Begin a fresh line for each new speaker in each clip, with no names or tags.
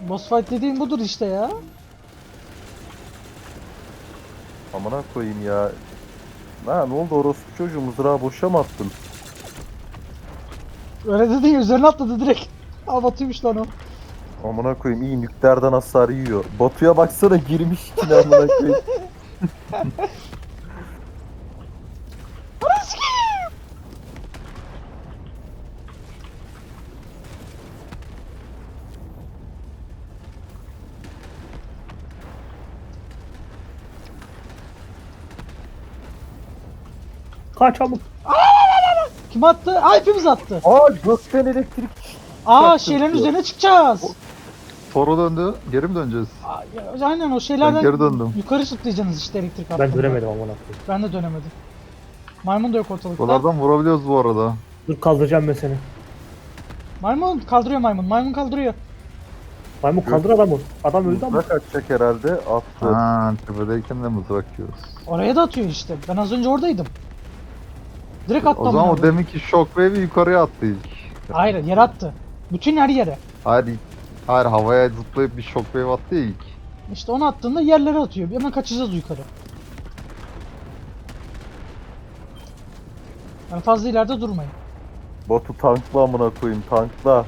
Boss fight dediğin budur işte ya.
Amına koyayım ya. Ha ne oldu orospu çocuğu, mızrağı boşa mı attın?
Öyle dedi ya, üzerine atladı direkt. Aa, Batu'ymuş lan o.
Amına koyayım, iyi nükleerden hasar yiyor. Batu'ya baksana, girmiş içine amına koyayım.
Kaç çabuk.
Kim attı? Aa, hepimiz attı.
Aa, gökten elektrik.
Aa,
Çarptı
şeylerin
diyor.
üzerine çıkacağız.
Toro döndü. Geri mi döneceğiz?
Aa, aynen o şeylerden
Ben geri döndüm.
yukarı zıplayacaksınız işte elektrik
Ben
hattında.
dönemedim amına koyayım.
Ben de dönemedim. Maymun da yok ortalıkta.
Buralardan vurabiliyoruz bu arada.
Dur kaldıracağım ben seni.
Maymun kaldırıyor maymun. Maymun kaldırıyor.
Maymun kaldır adamı. Adam öldü ama.
Mızrak atacak herhalde, attı.
Ha, tepedeyken de mızrak yiyoruz.
Oraya da atıyor işte. Ben az önce oradaydım. Direkt attı
O zaman
amına
o
koyayım.
deminki shockwave'i yukarıya attı ilk.
Hayır, yere attı. Bütün her yere.
Hayır, havaya zıplayıp bir shockwave attı ilk.
İşte onu attığında yerlere atıyor. Hemen kaçacağız yukarı. Yani fazla ileride durmayın.
Batu tankla amına koyayım, tankla.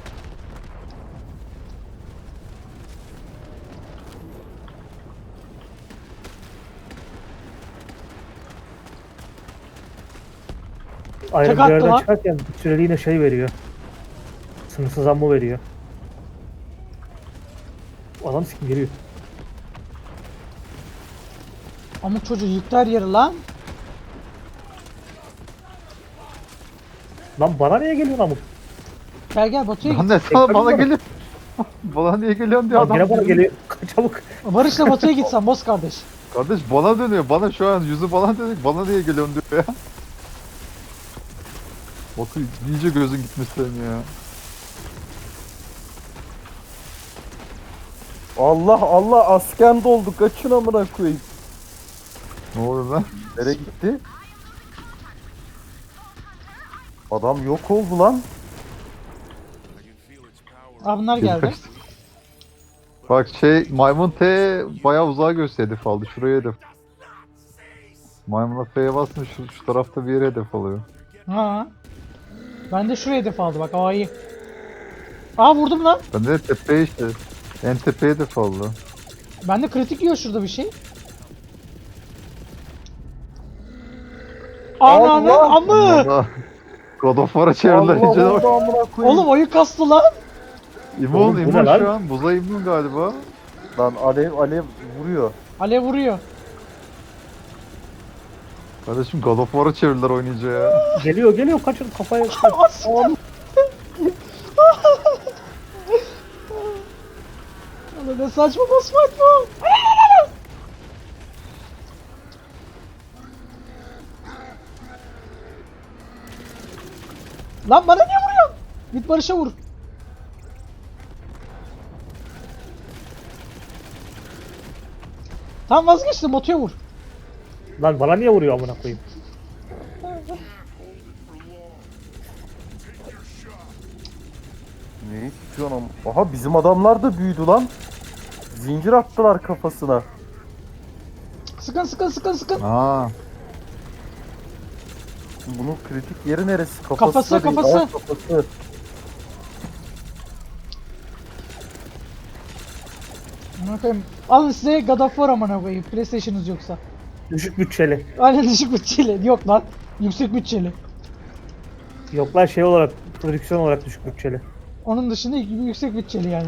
Ayrı bir
attı
yerden
lan.
çıkarken süreliğine şey veriyor. Sınırsız ammo veriyor. Adam sikim geliyor.
Amuk çocuğu yıktı her yeri lan.
Lan bana niye geliyor amuk?
Gel gel Batu'ya
Lan
git.
ne sana bana geliyor. Bana niye geliyorsun diyor
Lan
adam.
gene bana geliyor. Kaç çabuk.
Barış'la Batu'ya gitsen boss kardeş.
Kardeş bana dönüyor. Bana şu an yüzü bana dönüyor. Bana niye geliyorsun diyor ya. Batu iyice gözün gitmiş senin ya.
Allah Allah, asken doldu, kaçın amına koyayım.
Ne oluyor lan?
Nereye gitti? Adam yok oldu lan.
Aa, bunlar geldi.
Bak maymun T bayağı uzağa göster hedef aldı. Şuraya hedef. Maymuna F'ye basmış şu tarafta bir yere hedef alıyor.
Ha. Ben de şuraya hedef aldı bak. Aa, iyi. Aa, vurdum lan.
Ben de tepeye işte. En tepeye hedef aldı.
Ben de kritik yiyor şurada bir şey. Ananı
Allah!
amı.
Valla God of War'a çevirdiler
Allah
iyice de
oldu
bak.
amına koyayım.
Oğlum oyun kastı lan.
İmmun,
Oğlum, bu
immun
ne lan?
şu an. Buza immun galiba.
Lan alev vuruyor.
Alev vuruyor.
Kardeşim God of War'a çevirdiler oynayınca ya.
Geliyor kaçın kafaya. Kaç.
Oğlum ne saçma boss fight bu. Lan bana niye vuruyorsun? Git Barış'a vur. Tamam, vazgeçtim, Batu'ya vur.
Lan bana niye vuruyor amına koyayım?
Ne istiyorsun am? Aha, bizim adamlar da büyüdü lan. Zincir attılar kafasına.
Sıkın sıkın sıkın sıkın.
Aa,
Bunun kritik yeri neresi?
Kafası,
da değil.
kafası.
Aa, kafası.
Amına koyayım. Alın size God of War amına koyayım. PlayStation'ınız yoksa.
Düşük bütçeli.
Aynen, düşük bütçeli. Yok lan. Yüksek bütçeli.
Yok lan şey olarak prodüksiyon olarak düşük bütçeli.
Onun dışında yüksek bütçeli yani.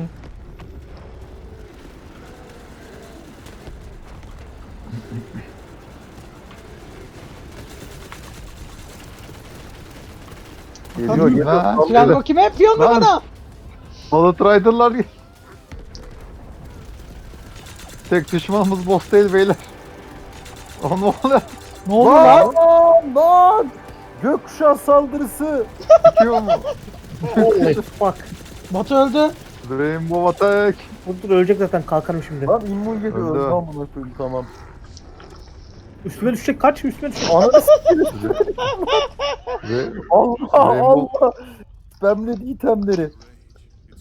Geliyor geliyor.
Ha.
Sallıyor.
Fiyango kime? Fiyango
Lan.
bana.
Bullet Rider'lar tek düşmanımız boss değil beyler. O ne oluyor?
Ne oldu lan?
Lan! Gökkuşağı saldırısı.
Çıkıyor mu?
Holy fuck.
Batu öldü.
Rainbow Attack.
Dur ölecek zaten kalkarım şimdi.
Lan immun geliyor.
Öldü.
Tamam buna koyayım, tamam.
Üstüme düşecek kaç üstüme düşecek.
Ananı s**eyim.
Ve
Allah
Rainbow-
Allah. Spamledi itemleri.